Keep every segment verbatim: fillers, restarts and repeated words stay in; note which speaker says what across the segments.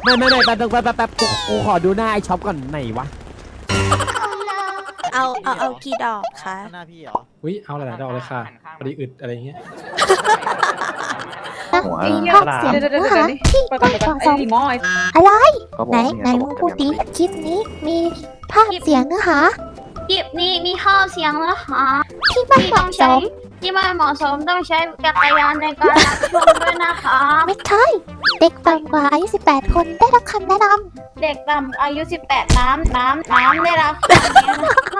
Speaker 1: ไม่ไม่ไม่แป๊บแป๊บแป๊บแป๊บกูกูขอดูหน้าไอช็อปก่อนไหนวะ
Speaker 2: เอาเอาเอากี่ดอกคะ
Speaker 3: หน้าพี่เหรอ
Speaker 4: อุ้ยเอาหลายๆดอกเลยค่ะพอดีอึดอะไรเงี้ย
Speaker 5: มีภาคเสียงนะคะที่ไม่ฟังซ้อมอะไรไหนไหนมึงพูดดิคลิปนี้มีภาคเสียงนะคะ
Speaker 6: คลิปนี้มีข้อเสียงนะคะ
Speaker 5: ที่ไม่เหมาะสม
Speaker 6: ที่ไม่เหมาะสมต้องใช้จักรยานในการรับชมด้วยนะคะ
Speaker 5: ไม่ใช่เด็กต่ำกว่าอายุสิบแปดคนได้รับคำแนะน
Speaker 6: ำเด็กต่ำอายุสิบแปดน้ำน้ำน้ำได้รับคำนี้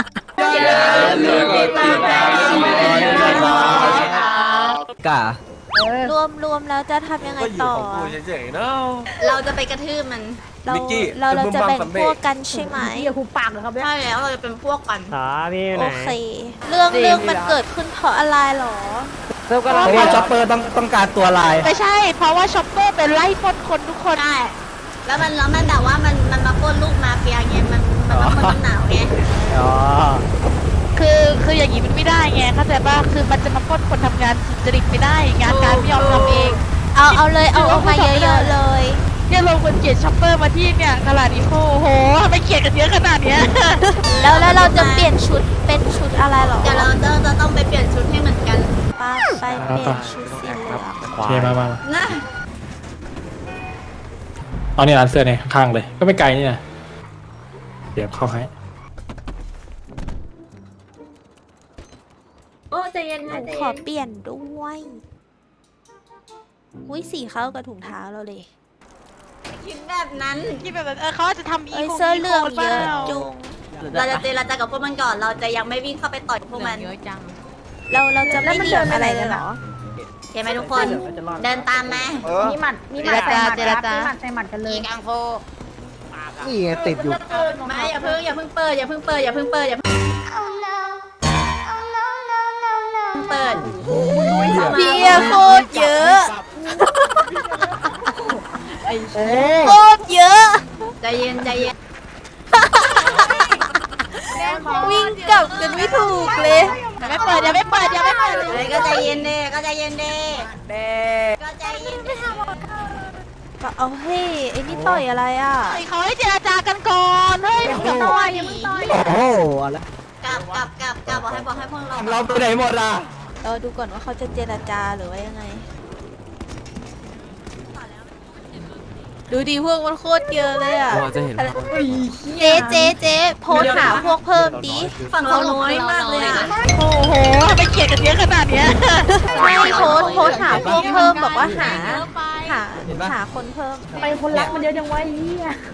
Speaker 6: นะคะ
Speaker 1: กะ
Speaker 2: รวมรวมแล้วจะทำยังไงต่อ
Speaker 7: เราจะไปกระทืบมัน
Speaker 2: เราเราเราจะแบ่งพวกกันใช่ไหม
Speaker 6: อย่าคูปากเลยครับ
Speaker 7: ใช่แล้วเราจะเป็นพวกกัน
Speaker 1: อ๋อพี่ไหน
Speaker 2: โอเคเรื่องเรื่องมันเกิดขึ้นเพราะอะไรหรอ
Speaker 1: เพราะว่าช็อปเปอร์ต้องต้องการตัวลาย
Speaker 2: ไม่ใช่เพราะว่าช็อปเปอร์เป็นไล่ปล้นคนทุกคน
Speaker 7: ใช่แล้วมันแล้วมันแบบว่ามันมันมาปล้นลูกมาเฟียไงมันมันมาปล้นมันหนาวไง
Speaker 1: อ๋อ
Speaker 2: คือคืออย่างนี้มันไม่ได้ไงเข้าใจป่ะคือมันจะมาปล้นคนทำงานสุจริตไม่ได้งานการไม่ยอมทำเองเอาเอาเลยเอาออกมาเยอะๆเลยเนี่ยลงคนเกลียดช็อปเปอร์มาที่เนี่ยตลาดอีโคโหทำไมเกลียดกันเยอะขนาดเนี้ยแล้วแล้วเราจะเปลี่ยนชุดเป็นชุดอะไรหรอ
Speaker 7: เดี๋ยวเราจะจะต้องไปเปลี่ยนชุดให้เหมือนกัน
Speaker 2: ป้าไปเปลี่ยนชุดสีเหลือง
Speaker 4: เชียร์มามา
Speaker 7: นะ
Speaker 4: เอาเนี่ยร้านเสื้อเนี่ยข้างๆเลยก็ไม่ไกลนี่นะเดี๋ยวเข้าให้
Speaker 6: โอ้ใจเย็นนะ
Speaker 2: ขอเปลี่ยนด้วยอุ้ยสีเข้ากับถุงเท้าเราเลย
Speaker 7: คิดแบบนั้น
Speaker 2: คิดแบบเออเขาจะทำอีเสื้อเหลืองเยอะจุง
Speaker 7: เราจะเจรจากับพวกมันก่อนเราจะยังไม่วิ่งเข้าไปต่อยพวกมัน
Speaker 2: เยอะจังเราเราจะไม่เหลี่ยมอะไรกันหรอ
Speaker 7: เห็นไหมทุกคนเดินตามมา
Speaker 6: มีหมัดมีหมัดใส่หมัดครับมีหมัดใส่หมัดกันเลย
Speaker 7: กังโฟ
Speaker 1: นี่ไงติดอยู่
Speaker 7: ไม่อย่าเพิ่งอย่าเพิ่งเปิดอย่าเพิ่งเปิดอย่าเพิ่งเปิดอย่าเพิ่งเปิด
Speaker 2: เบียร์โคตรเยอะโคตรเยอะ
Speaker 7: ใจเย็นใจเย็น
Speaker 2: วิ่งกลับกันไม่ถูกเลยอย่าไม่เปิดอย่าไม่เปิดอย่าไม่เปิด
Speaker 7: เลยก็ใจเย็นเด้ก็ใจเย็นเด้เด้ก็ใจเย็นเด้
Speaker 2: ก็เอาเฮ้ไอ้นี่ต่อยอะไรอ่ะเขาให้เจรจากันก่อนเฮ้ยอย่าต่อยอย่าต่อย
Speaker 1: โอ้โหอะไร
Speaker 7: กลับกลับกลับกลับบอกให้บอกให้พวกเรา
Speaker 1: เราไปไหนหมดอ่ะ
Speaker 2: เราดูก่อนว่าเขาจะเจรจาหรือว่ายังไงดูดีพวกมันโคตรเยอะเลยอ่ะเจ๊เจ๊เจ๊โพสหาพวกเพิ่มดิ
Speaker 7: ฝั่งเราน้อยมากเลยอ่ะ
Speaker 2: โอ้โหไม่เกลียดกันเยอะขนาดเนี้ยไม่โพสโพสหาพวกเพิ่มบอกว่าหาหาหาคนเพิ่ม
Speaker 6: ไปคนรักมันเยอะจังวะยี่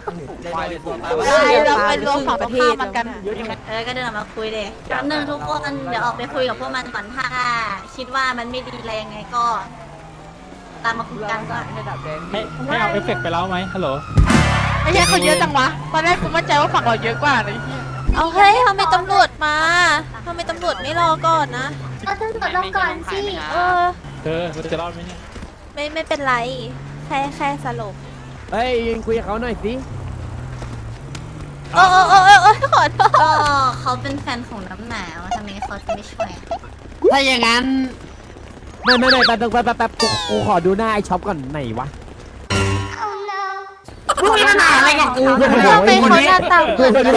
Speaker 2: เราไปรวมฝั่งประเทศมันกัน
Speaker 7: เออก็เดินมาคุยเด็กหนึ่งทุกคนเดี๋ยวออกไปคุยกับพวกมันก่อนถ้าคิดว่ามันไม่ดีอะไรยังไงก็ตามมาคุยกันก่อน
Speaker 4: ให้ให้เอาเอฟเฟกต์ไปแล้วไหมฮัลโหล
Speaker 2: ไม่ใช่เขาเยอะจังวะตอนแรกกูมั่นใจว่าฝั่งเราเยอะกว่าเลยเอาเฮ้ยทำไมตำรวจมาทำไมตำรวจไม่รอก่อนนะ
Speaker 6: เอาตำรวจรอก่อนสิ
Speaker 2: เออ
Speaker 4: เธอเราจะรอดไหมเนี่ย
Speaker 2: ไม่ไม่เป็นไรแค่แค่สลบ
Speaker 1: เฮ้ยยิงคุยกับเขาหน่อยสิ
Speaker 2: โอ้โอ้โอ้โอ้ขอโทษ
Speaker 7: ก็เขาเป็นแฟนของน้ำหนาวทำไมเขาจะไม่ช่วย
Speaker 1: ถ้าอย่างนั้นไม่ไม่ไม่แป๊บแป๊บแป๊บแป๊บกูกูขอดูหน้าไอช็อปก่อนไหนวะ
Speaker 7: มึงมีปัญหาอะไรกับกู
Speaker 2: เราเป็นคนหน้าตาเหมือนกัน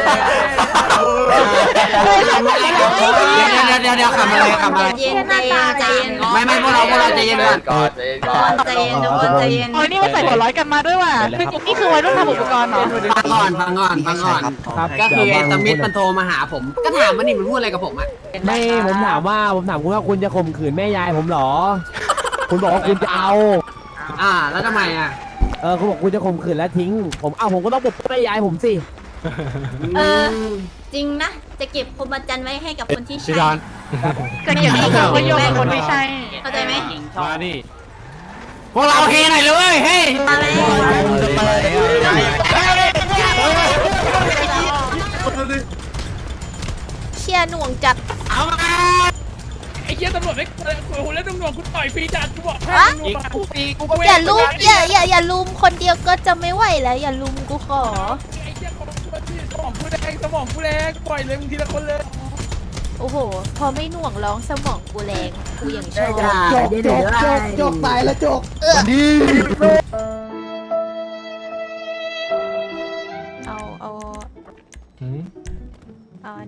Speaker 3: เดี๋ยวเดี๋ยวขำอะไรขำอะไร
Speaker 7: เย็นใจเย็นใจเย็น
Speaker 3: ไม่ไม่พวกเราพวกเราใจเย็นก่อน
Speaker 7: ใจเย็นก่อนใจเย็นทุกคนใจเย็น
Speaker 2: โอ้ยนี่มาใส่หัวร้อยกันมาด้วยว่ะคือนี่คือวัยรุ่นทำอุปกรณ์เหรอ
Speaker 3: ฟังก่อนฟังก่อนฟังก่อนก็คือไอ้สมิธมันโทรมาหาผมก็ถามมันนี่มันพูดอะไรกับผมอ่ะ
Speaker 1: ไม่ผมถามว่าผมถามคุณว่าคุณจะข่มขืนแม่ยายผมหรอคุณบอกว่าคุณจะเอา
Speaker 3: อ่าแล้วทำไมอ่ะ
Speaker 1: เออคุณบอกคุณจะข่มขืนแล้วทิ้งผมเอาผมก็ต้องปกป้องแม่ยายผมสิ
Speaker 7: เออจริงนะจะเก็บพรหมจรรย์ไว้ให้กับคนที่ใช่
Speaker 2: จะเก็บไว้โยงกับคนที่ใช่
Speaker 7: เข้าใจไหม
Speaker 4: มาดิ
Speaker 3: พวกเราเฮหน่อยเลยเฮ้ย
Speaker 2: เชียร์หน่วงจัด
Speaker 3: เอามา
Speaker 4: ไอ้เชี่ยตำรวจไม่โอ้โหแล้วตำรวจคุณต่อยฟรีจัดกูบอก
Speaker 2: อย่าลุมอย่าอย่าอย่าลุมคนเดียวก็จะไม่ไหวแล้วอย่าลุมกูขอ
Speaker 4: ไอ้เชี่ยของกูที่สมองกูแรงสมองกูแรงปล่อยเลยมึงทีละคนเลย
Speaker 2: โอ้โหพอไม่หน่วงร้องสมองกูแรงกูอย่างชอบ
Speaker 1: จกจกจกจกตายแล้วจกดี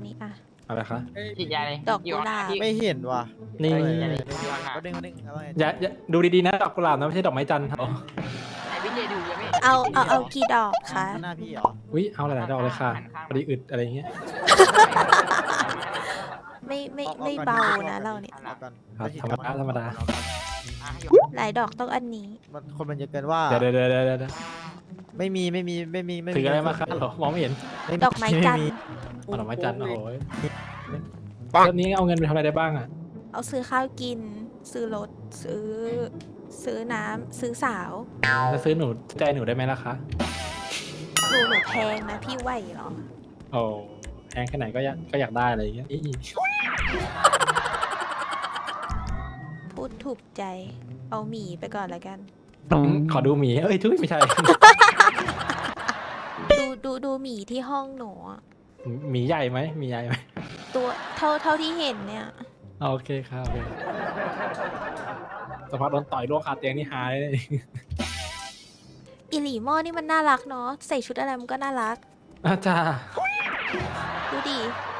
Speaker 2: นี้อ่ะ
Speaker 4: อะไรคะ
Speaker 2: ดอกกุหลาบ
Speaker 8: ไม่เห็นว่ะ
Speaker 4: นี่
Speaker 8: ก็ดึงก็ดึงเอาไง
Speaker 4: อย่าอย่าดูดีๆนะดอกกุหลาบนะไม่ใช่ดอกไม้จันทร์ครับ
Speaker 2: เอาเอาเอากี่ดอกคะ
Speaker 8: หน้าพี่เหรอ
Speaker 4: อุ้ยเอาหลายๆดอกเลยค่ะพอดีอึดอะไรเงี้ย
Speaker 2: ไม่ไม่ไม่เบานะเราเนี่ย
Speaker 8: เอาก่อน
Speaker 4: ครับธรรมดาธรรมดา
Speaker 2: หลายดอกต้องอันนี้
Speaker 8: มันคนมันเยอะเกินว่า
Speaker 4: เดี๋ยวเดี๋ยวเดี๋ยวเดี๋ยวเดี๋ยว
Speaker 8: ไม่มีไม่มีไม่มีไม่มี
Speaker 4: ถืออะไรมาครับเหรอมองไม่เห็น
Speaker 2: ดอกไม้จันทร์
Speaker 4: เอาดอกไม้จันทร์โอ้โหเริ่มนี้เอาเงินไปทำอะไรได้บ้างอ่ะ
Speaker 2: เอาซื้อข้าวกิน ซื้อรถซื้อ ซื้อน้ำซื้อสาว
Speaker 4: จะซื้อหนูใจหนูได้ไหมล่ะคะ
Speaker 2: หนูหนูแพงนะพี่ไหวเหรอ
Speaker 4: โอ้แพงแค่ไหนก็อยากก็อยากได้อะไรอย่างเงี้ยอี
Speaker 2: พูดถูกใจ เอาหมีไปก่อนแล้วกัน
Speaker 4: ขอดูหมีเอ้ยทุยไม่ใช่
Speaker 2: ดูดูดูหมีที่ห้องหนูอะ
Speaker 4: หมีใหญ่ไหมหมีใหญ่ไหม
Speaker 2: ตัวเท่าเท่าที่เห็นเนี่ย
Speaker 4: โอเคครับโอเคสภาพโดนต่อยล่วงคาเตียงนี่หายเลย
Speaker 2: อิหลีหม้อนี่มันน่ารักเนาะใส่ชุดอะไรมันก็น่ารัก
Speaker 4: อาจารย์
Speaker 2: ดูดิ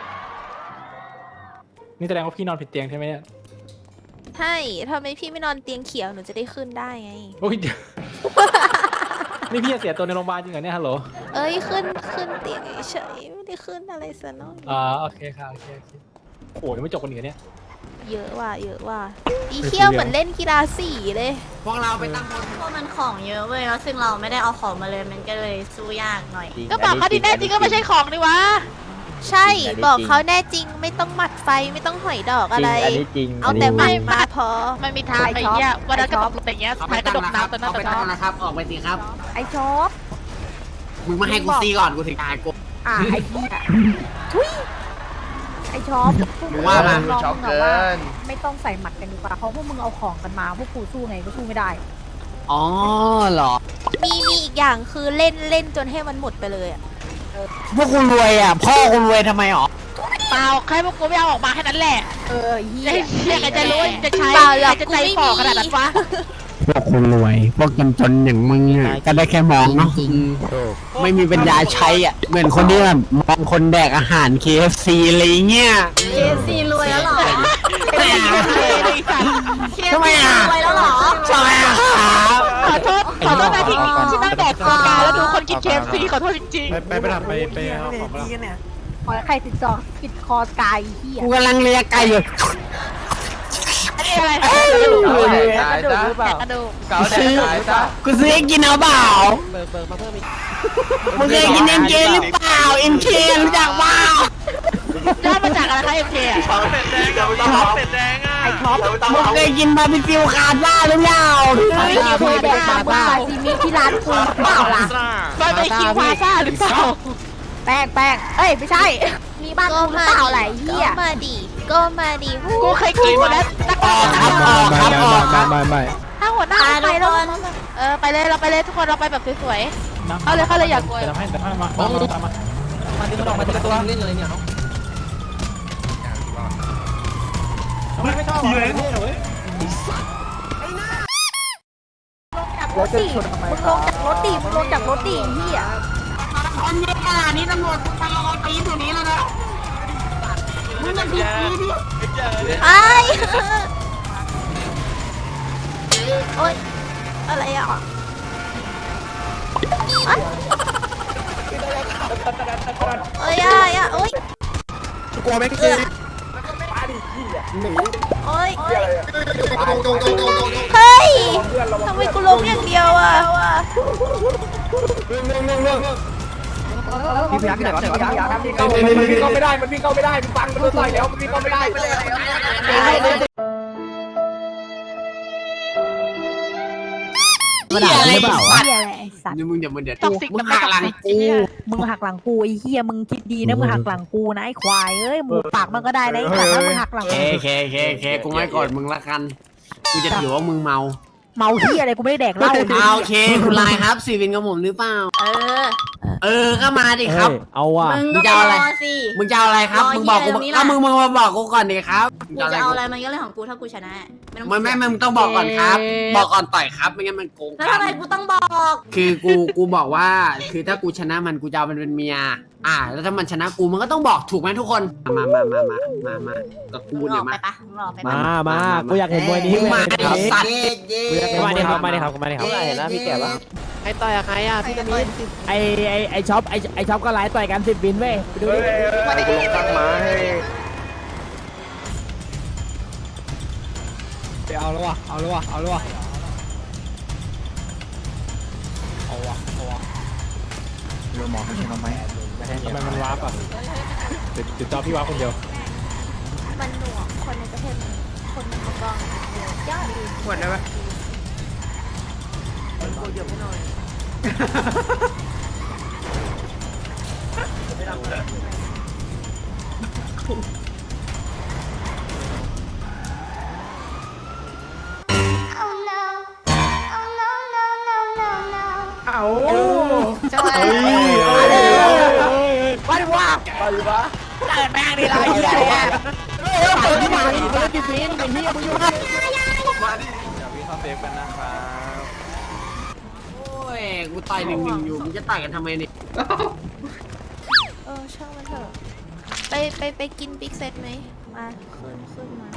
Speaker 4: นี่แสดงว่าพี่นอนผิดเตียงใช่ไหมเนี่ย
Speaker 2: ใช่ทำไมพี่ไม่นอนเตียงเขียวหนูจะได้ขึ้นได้ไง
Speaker 4: โอ้ยเดี๋ยว นี่พี่จะเสียตัวในโรงพยาบาลจริงเหรอเนี่ยฮัลโหล
Speaker 2: เอ้ยขึ้นขึ้นเตียงเฉยๆไม่ได้ขึ้นอะไรซะหน่อย
Speaker 4: อ่าโอเคค่ะโอเคโอเคโอ้ยยังไม่จบกันอีกเหรอเนี่ย
Speaker 2: เยอะว่ะเยอะว่ะอีเขี้ยวเหมือนเล่นกีฬาสีเลย
Speaker 3: พวกเราไปตั้งบน
Speaker 7: เพราะมันของเยอะเว้ยแล้วซึ่งเราไม่ได้เอาของมาเลยมันก็เลยสู้ยากหน่อย
Speaker 2: ก็บอกเขาดีแน่จริงก็ไม่ใช่ของนี่วะใช่บอกเขาแน่จริงไม่ต้องหมัดไฟไม่ต้องหอยดอกอะไร
Speaker 8: อันนี้จริง
Speaker 2: เอาแต่หมัดมาพอ
Speaker 9: ไม่มีทางไปเงี้ยวันนั้นก็ตกอย่างเงี้ย
Speaker 3: เอาไป
Speaker 9: ท้ายกระ
Speaker 3: ตั้
Speaker 9: ด
Speaker 3: ง
Speaker 9: ก
Speaker 3: นะครับ
Speaker 9: น้ำตอนนั้น
Speaker 3: เอาไป
Speaker 9: แต่
Speaker 3: ตั้
Speaker 9: ก็
Speaker 3: งนะครับ ออกไปสิครับ
Speaker 6: ไอชอบ
Speaker 3: มึงมาให้กูตีก่อนกูถึงตายกู
Speaker 6: อ่ะไอพี่อ่ะทุยไอชอบพวก
Speaker 3: มึงว่ามา
Speaker 6: ลองมึงอะว่าไม่ต้องใส่หมัดกันดีกว่าเพราะพวกมึงเอาของกันมาพวกกูสู้ไงก็สู้ไม่ได้
Speaker 3: อ๋อเหรอ
Speaker 2: มีมีอีกอย่างคือเล่นเล่นจนให้มันหมดไปเลยอ่ะ
Speaker 1: พวกคุณรวยอ่ะ พ่อคุณรวยทำไมหรอ
Speaker 9: เปล่าแค่พวกกูไม่เอาออกมาแค่นั้นแหละ
Speaker 6: เออเฮี
Speaker 9: จะ
Speaker 6: ย
Speaker 9: เฮียใครจะรู้จะใช้
Speaker 2: เปล่าหร
Speaker 9: ใคร
Speaker 2: อก
Speaker 9: จะ
Speaker 2: กู
Speaker 9: ใจ
Speaker 2: ไม่
Speaker 9: ฝ่อ
Speaker 2: มี
Speaker 9: ขนาดนั้นวะ
Speaker 1: พวกคุณรวย พวกจนจนๆอย่างมึงอ่ะก็ได้แค่มองเนาะไม่มีปัญญาใช้อ่ะ เหมือนคนที่แบบมองคนแดกอาหาร เค เอฟ ซี อะไรเงี้ย
Speaker 7: เคซีรวยแล้วเหรอ
Speaker 1: ทำไมอ่ะ
Speaker 7: รวยแล้วเหรอ
Speaker 1: ทำไมอ่ะครับ
Speaker 9: ขอโทษขอโทษนะที่ที่นั่งแดกโฟกาแล้วดูคนกินเคฟซีขอโทษจริง
Speaker 4: ไปไปไปทำไปไปเอาของมา
Speaker 6: ขอใครติดจอติดคอกายเฮีย
Speaker 1: กูกำลังเลียไก่อยู่
Speaker 9: ๆอันนี้อะไร
Speaker 1: เอ้ย
Speaker 9: กระดูกหรือเปล่ากระดูก
Speaker 1: กูซื้อกูซื้อให้กินเอาเปล่ามึงเคยกินเอ็มเคหรือเปล่าเอ็มเครู้จักเปล่า
Speaker 9: ย่อมาจากอะไรคะเอ็มเคอะ
Speaker 6: ไอช็อป
Speaker 1: มึงเคยกินบาร์บีคิวคาซ่าหรือเปล่า
Speaker 6: ไอเฮียแดกมาบ้าซีมิที่ร้านกูเปล่าล่ะ
Speaker 9: บาร์บีคิวพาซ่าหรือเปล่า
Speaker 6: แป้งแป้งเอ้ยไม่ใช่ มีบ้าน
Speaker 2: ก็
Speaker 6: กูหรือ
Speaker 2: มา
Speaker 6: เปล่า
Speaker 2: ดิ
Speaker 6: ไหลเฮีย
Speaker 2: ก็มาดิก็มาดิ
Speaker 9: กูเคยกินหมดแล้วตั้ง
Speaker 1: ออกครับออกครับออกครับ
Speaker 4: ไม่ไม่
Speaker 9: ถ้าหัวหน้า
Speaker 7: อ่ะ
Speaker 9: ไป
Speaker 7: ทุก
Speaker 9: แล้ว
Speaker 7: คน
Speaker 9: เออไปเลยเราไปเลยทุกคนเราไปแบบสวย เอาเลยเขาเลยอยากกลัว
Speaker 4: จะทำให้จะทำให้มาตามมาตามมา
Speaker 3: มาดึงมันออกมาทีละตัวเล่นเลยเนี่ย
Speaker 4: ไม่ไม่ชอบเลยเว้ย
Speaker 6: รถดิมึงลงจากรถดิมึงลงจากรถดิเฮีย
Speaker 3: คนเยอะขนาดนี้ตำรวจไปรอตีนอยู่นี้แล้วนะมึงมันดีดี
Speaker 2: ไอ้โอ๊ยอะไรอ่ะอะเอ้ยอ่ะอ่ะโอ๊ย
Speaker 8: กลัวไหมพี่
Speaker 2: โอ๊ยเฮ้ยทำไมกูล้มอย่างเดียวอ่ะ
Speaker 8: พี่พยักที่ไหนวะพี่พยัก
Speaker 1: มันวิ่งเข้าไม่ได้ มันวิ่งเข้าไม่ได้มันฟังมันโดนต่อยแล้ว มันวิ่งเข้าไม่ได้มันด่าหรือเปล่าวะ
Speaker 6: เฮียอะไรไอสัตว์
Speaker 3: นี่มึงอย่ามึงเดี๋ยว
Speaker 9: ท็อกซิก
Speaker 3: มึงหักหลังกู
Speaker 6: มึงหักหลังกูไอเฮียมึงคิดดีนะมึงหักหลังกูนะไอควายเอ้ยหมูปากมันก็ได้นะไอสัตว์ถ้ามึงหักหลัง
Speaker 3: เคเคเคเคกูไม่กดมึงละกัน กูจะถือว่ามึงเมา
Speaker 6: เมาเฮียอะไรกูไม่ได้แดกเหล้า
Speaker 3: เอาโอเคคุณไลน์ครับสีวินกับผมหรือเปล่า
Speaker 2: เออ เอ
Speaker 1: เออก็มาดิครับ
Speaker 8: เอาว่ะ
Speaker 7: มึง
Speaker 1: มึ
Speaker 7: ก็
Speaker 1: งจะเอาอะไร
Speaker 7: รอสิ
Speaker 1: มึงจะเอาอะไรครับ
Speaker 7: รอ
Speaker 1: มึงบอกกู
Speaker 7: เหี้ยตรงนี้
Speaker 1: ก็
Speaker 7: ล่ะ
Speaker 1: มึงมึงมาบอกกูก่อนดิครับ
Speaker 7: กูจะเอาอะไรมันก็เรื่องของกูถ้ากูชนะไม่ต้อง
Speaker 1: มันไม่มึงต้องบอกก่อนครับ บอกก่อนต่อยครับไม่งั้นมันโกง
Speaker 7: แล้ว
Speaker 1: กั
Speaker 7: ทำไม
Speaker 1: น
Speaker 7: กูต้องบอก
Speaker 1: คือกูกูบอกว่า คือถ้ากูชนะมันกูจะเอามันเป็นเมีย อ่า แล้วถ้ามันชนะกูมันก็ต้องบอกถูกไหมทุกคน มามามามามามากับกู
Speaker 7: มึงอ
Speaker 1: เนี่
Speaker 7: อย กไป
Speaker 1: มา
Speaker 7: ปะมึงออกไป
Speaker 8: มา
Speaker 7: ปะ
Speaker 8: มากูอยากเห็นมวยนี้
Speaker 1: มึงมา
Speaker 8: กู
Speaker 1: ไอ้
Speaker 8: อยากเห็น
Speaker 1: สัตว์
Speaker 8: มาดิครับมาดิครับมาดิครับเห็นแล้วพี่แก่ปะ
Speaker 3: ใครต่อยอะใครอะพี่จะมี
Speaker 8: ไอไอไอช็อปไอไอช็อปก็ไลฟ์ต่อยกันสิบบินเว้ยไปดูดิ
Speaker 3: มาดิตั้งมาให้
Speaker 8: ไปเอาแล้ววะเอาแล้ววะเอาแล้ววะเอาวะเอาวะ
Speaker 4: ทำไมมันวาร์ปอ่ะติดติดจอพี่วาร์ปคนเดียว
Speaker 5: มันหน่วงคนในประเทศมันคนมันกองยอดดี
Speaker 3: หมดได้ไหม
Speaker 1: วันว่าไปวะเกิดแม่งดิเราเหี้ยเนี่ยเฮ้ยเปิดที่ไหนเปิดกี่ปีนไอ้เหี้ยมึงอยู่ไหนมาดิเดี๋ยวพี่เข้าเซฟกันนะครับโอ้ยกูต่อยหนึ่งหนึ่งอยู่มึงจะต่อยกันทำไมเนี่ย
Speaker 5: เออช่างมันเถอะไปไปไปกินบิ๊กเซตไหมมาขึ้นขึ้นมา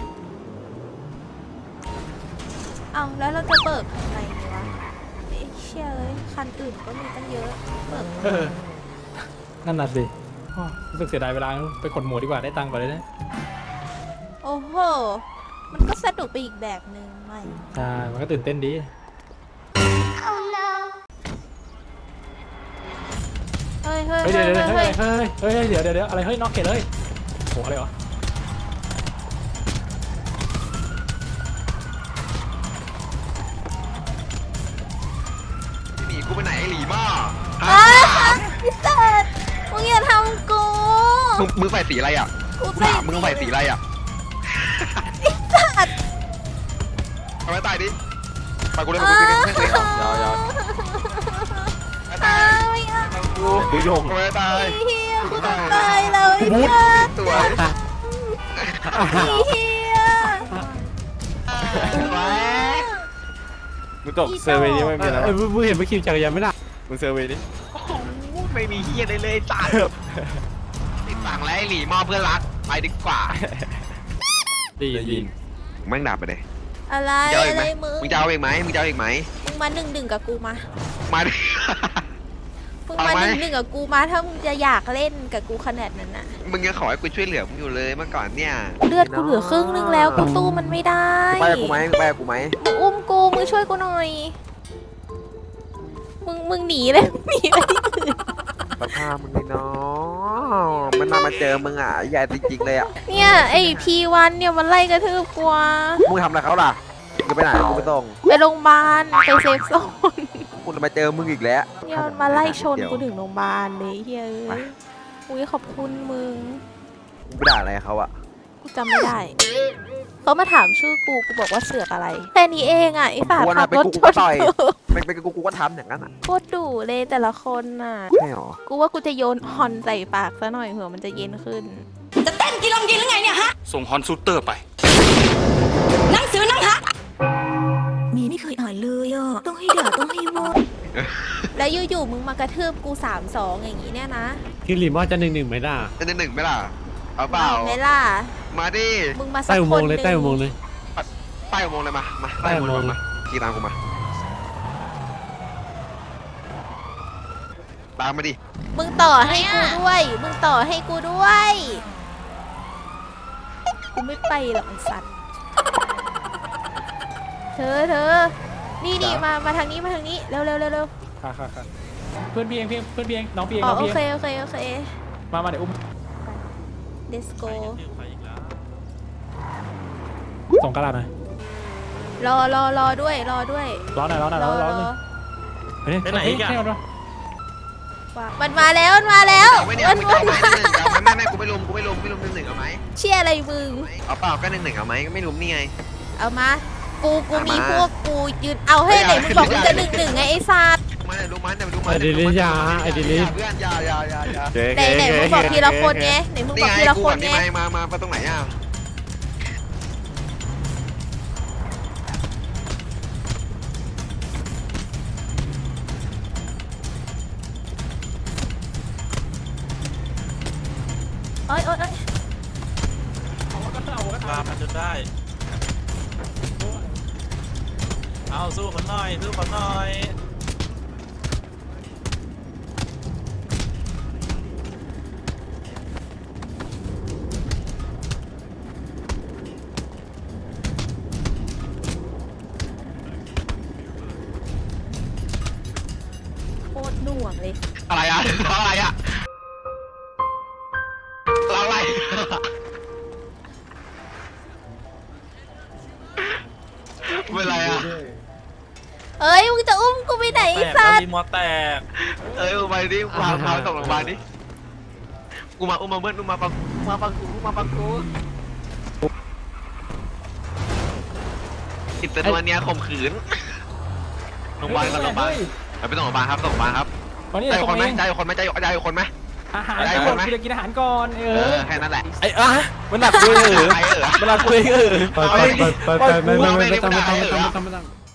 Speaker 5: เอาแล้วเราจะเบิกทำไงดีวะไอ้เชี่ยเอ้ยคันอื่นก็มีตั้งเยอะเบิก
Speaker 4: เออนั่นน่ะสิอ้อรู้สึกเสียดายเวลาไปขนหมูดีกว่าได้ตังค์กว่าเลยนะ
Speaker 5: โอ้โหมันก็สนุกไปอีกแบบหนึ่งไม่
Speaker 4: ใช่มันก็ตื่นเต้นดี
Speaker 5: เฮ้ยเฮ้ย
Speaker 4: เฮ้ย
Speaker 5: เฮ้
Speaker 4: เดี๋ย
Speaker 5: ยว
Speaker 4: เดี๋ยว
Speaker 5: เฮ้ย
Speaker 4: เฮ้ยเฮ้ยเดี๋ยวเดี๋ยวอะไรเฮ้ยน็อกเกตเลยโหอะไรวะ
Speaker 3: หนีกูไปไหนไอ้หลีบ้า
Speaker 5: อ้าพี่เติร์ดมึงอย่าทำกู
Speaker 3: มึงมึงใส่สีอะไรอ่ะ
Speaker 5: กู
Speaker 3: ถามมึงใส่สีอะไรอ่ะทำไมตายดิไปกูเล่นกับมึงไม่เคยเอา
Speaker 5: ยาวย
Speaker 3: าว
Speaker 5: ตายไม่เอา
Speaker 3: กูกูโยงทำไมตาย
Speaker 5: ไอ้เฮียกูจะตายแล้วไอ้เหี้ย
Speaker 3: ตัว
Speaker 5: ไอ้เฮีย
Speaker 3: มึงตกเซอร์เวย์นี้ไม่มีแล้ว
Speaker 1: เออมึงเห็นไปขี่จักรยานไม่ได้
Speaker 3: มึงเซอร์เวย์นี้ไม่มีเฮียเลยเลยจ่าติดสั่งแล้วไอ้หลีมอบเพื่อนรักไปดีกว่า
Speaker 4: ดีดี
Speaker 3: แม่งดับไปเลย
Speaker 5: อะไร
Speaker 3: มึงจะเอาอี
Speaker 5: อะ
Speaker 3: กไห
Speaker 5: ไร
Speaker 3: ม
Speaker 5: มึง
Speaker 3: มึงจะเอาอีกไหมมึงจะเอาอีกไหม
Speaker 5: มึงมาหนึ่งหนึ่งกับกูมา
Speaker 3: มาดิ
Speaker 5: มึง
Speaker 3: เอา
Speaker 5: มา
Speaker 3: ไหม
Speaker 5: หนึ่งหนึ่งกับกูมาถ้ามึงจะอยากเล่นกับกูขนาดนั้นน่ะ
Speaker 3: มึงยังขอให้กูช่วยเหลือมึงอยู่เลยเมื่อก่อนเนี่ย
Speaker 5: เลือดกูเหลือครึ่งนึงแล้วกูตู้มันไม่ได้
Speaker 3: ไปกูไหมไปกูไหม
Speaker 5: มึงอุ้มกูมึงช่วยกูหน่อย มึงมึงหนีเลย หนีไปที่อื่น
Speaker 3: สภาพมึงเลยเนาะมันมามาเจอมึงอ่ะใหญ่จริงๆเลยอ่ะ
Speaker 5: เนี่ยไอพีวันเนี่ยมันไล่กระทืบกูอะ
Speaker 3: มึงทำอะไรเขาล่ะมึงไปไหนกูไปส่ง
Speaker 5: ไปโรงพยาบาลไปเซฟโซน
Speaker 3: กูจะมาเจอมึงอีกแล้ว
Speaker 5: เนี่ยมันมาไล่ชนกูถึงโรงพยาบาลเลยเฮ้ยเอ้ยอุ้ยขอบคุณมึง
Speaker 3: มึงไปด่าอะไรเขาอ่ะ
Speaker 5: กูจำไม่ได้ เขามาถามชื่อกู กูบอกว่าเสือกอะไร แค่นี้เองอ่ะไอ้ฝา
Speaker 3: กู
Speaker 5: ขั
Speaker 3: นะ
Speaker 5: บ
Speaker 3: ไป
Speaker 5: รถ
Speaker 3: กู
Speaker 5: ช
Speaker 3: ก็
Speaker 5: น
Speaker 3: ต่อย
Speaker 5: กู
Speaker 3: เป็นเป็นกูกูก็ทำอย่างนั้นอ่ะ
Speaker 5: โคตรดุเลยแต่ละคนน่ะ
Speaker 3: ใช่หรอ
Speaker 5: กูว่ากูจะโยนฮอนใส่ปากซะหน่อยเผื่อมันจะเย็นขึ้น
Speaker 7: จะเต้นกีฬากินหรือไงเนี่ยฮะ
Speaker 10: ส่งฮอนซูเตอร์ไป
Speaker 7: หนังสือหนังฮะมีไม่เคยอ่านเลยอ่ะต้องให้ด่าต้องให้ว่า
Speaker 5: แล้วอยู่ๆมึงมากระทืบกูสามสองอย่างนี้เนี่ยนะ
Speaker 1: คือหลีมอจะหนึ่งหนึ่งไหมล่ะ
Speaker 3: เป็นหนึ่งไหมล่ะเอาเปล่า
Speaker 5: ไหมล่ะ
Speaker 3: มาดิ
Speaker 5: มึงมาสั
Speaker 1: ใต้
Speaker 5: ก
Speaker 1: อุ
Speaker 5: ค
Speaker 1: โม
Speaker 5: น
Speaker 1: งค์
Speaker 5: ห
Speaker 1: เลย
Speaker 5: นึ่ง
Speaker 1: ใต้อุโมงค์เลย
Speaker 3: ใต้อุโมงค์เลยมามาใต้อุโมงค์มาขี่ตามกูมาตามมาดิ
Speaker 5: มึงต่อให้กูด้วย มึงต่อให้กูด้วย กูไม่ไปหรอกไอ้สัตว์ เธอเธอ นี่นี่มา มาทางนี้มาทางนี้ เร็วเร็วเร็วเร็ว
Speaker 4: ค่ะค่ะค่ะเพื่อนพี่เองพี่เพื่อนพี่เองน้องพี่เอง
Speaker 5: อ๋อ
Speaker 4: น้อง
Speaker 5: โอ
Speaker 4: พี่
Speaker 5: เค
Speaker 4: เอง
Speaker 5: โอเคโอเค
Speaker 4: มามาเดี๋ยวอุ้ม
Speaker 5: let's go
Speaker 4: ส่งกระดาษหน่อย
Speaker 5: รอรอรอด้วย รอด้วย
Speaker 4: ร้อนหน่อยร้อนหน่อย
Speaker 5: ร
Speaker 4: ร้
Speaker 5: อ
Speaker 4: อนร้อน
Speaker 5: ร
Speaker 4: หน่
Speaker 5: อ
Speaker 4: อยเฮ้ยไหนอีกอ่ะ
Speaker 5: ว่ามันมาแล้ว มันมาแล้ว
Speaker 3: เอาไว้เนี่ย
Speaker 5: มัน
Speaker 3: มึง
Speaker 5: มั
Speaker 3: จะ
Speaker 5: น
Speaker 3: เอาไหม
Speaker 5: มา
Speaker 3: หนึ่งจะเอาไหมไม่ไม่กูไม่ลุมกูไม่ลุมไม่ลุมหนึ่งหนึ่งเอาไหม
Speaker 5: เชี่ยอะไรมึง
Speaker 3: เอาเปล่าก็หนึ่งหนึ่งเอาไหมก็ไม่ลุมนี่ไง
Speaker 5: เอามา กู กู
Speaker 3: เอามี
Speaker 5: มีพวกกูยืน เอาให้ไหนมึงบอกมึงจะหนึ่งหนึ่งไงไอ้สัตว์
Speaker 3: ม
Speaker 1: มันเดี๋ยวดูมันเดี๋ยวดูมัน
Speaker 4: ไอ้ดิลิยาไอ้ดิลิ
Speaker 1: เพื่อนอย่าอย่าอย่าอย่า
Speaker 5: ไหนไหนมึงบอกทีละคนไงไหนมึงบอกทีละคนไง
Speaker 1: มามามาตรงไหนอ่ะ
Speaker 5: โอ๊ยโอ๊ยโอ๊ย
Speaker 10: ลามันจนได้เอาสู้คนหน่อยสู้คนหน่อย
Speaker 5: โคตรหน่วงเลย
Speaker 1: อะไรอ่ะอะไรอ่ะอะไรเป็นไรอ่ะ
Speaker 5: เอ้ยมึงจะอุ้มกูไปไหน
Speaker 10: แต
Speaker 5: ไอ้
Speaker 10: ก
Speaker 5: สั
Speaker 10: แล้ว
Speaker 5: ส
Speaker 10: รีโมทแตก
Speaker 1: เอ้ยไปดิพาพาส่งโรงพยาบาลดิกูมาอุ้มมาเบิ้ลอุ้มมาปังมาปังกูมาปังกูอิตาลีเนี่ยข่มขืนโรงพยาบาลโรงพยาบาลไปส่งโรงพยาบาลครับส่งโรงพยาบาลครับ
Speaker 4: ตอนนี้
Speaker 1: ได้
Speaker 4: ตร
Speaker 1: คน
Speaker 4: ง
Speaker 1: ไหม
Speaker 4: นี้
Speaker 1: ได้คนไหมได้ได้คนไหม
Speaker 4: อาหารก่อนกูจะกินอาหารก่อนเอ
Speaker 1: เอ
Speaker 4: อ
Speaker 1: อแค่นั้นแหละ
Speaker 10: ไอ้อะมันหนักเลยเหรอ
Speaker 1: ใครเออ
Speaker 10: มันหนักเลยเหรอ
Speaker 4: ไปไปไปไปไม่ไม่ไม่ไม่ต้องไม่ต้องไม่ต้องไม่ต้อง